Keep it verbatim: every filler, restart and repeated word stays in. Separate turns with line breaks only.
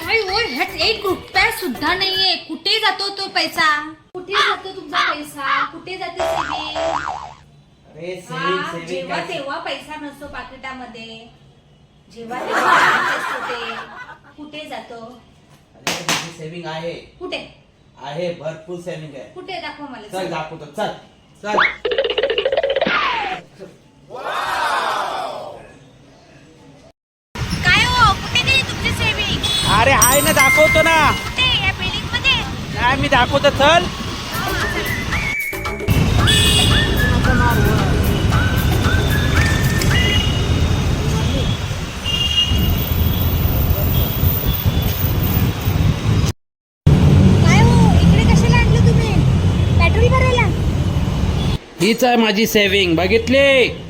काय हो, ह्यात एक रुपया सुद्धा नाहीये. कुठे जातो तो पैसा? कुठे जातो तुमचा पैसा? कुठे जाते सेविंग?
अरे सेविंग सेविंग
जेव्हा तेव्हा पैसा नसतो पाकिटामध्ये, जेव्हा तेव्हा असतो ते. कुठे जातो?
अरे माझी सेविंग आहे.
कुठे
आहे? भरपूर सेविंग आहे.
कुठे दाखव मला.
चल दाखवतो. चल चल.
काय हो, कुठे गेली तुमची सेविंग?
अरे आहे ना, दाखवतो ना.
कुठे? या बिल्डिंग मध्ये?
नाही मी दाखवतो. चल.
काय हो, इकडे कशाला आणलं तुम्ही? पेट्रोल भरायला?
हीच आहे माझी सेविंग, बघितली?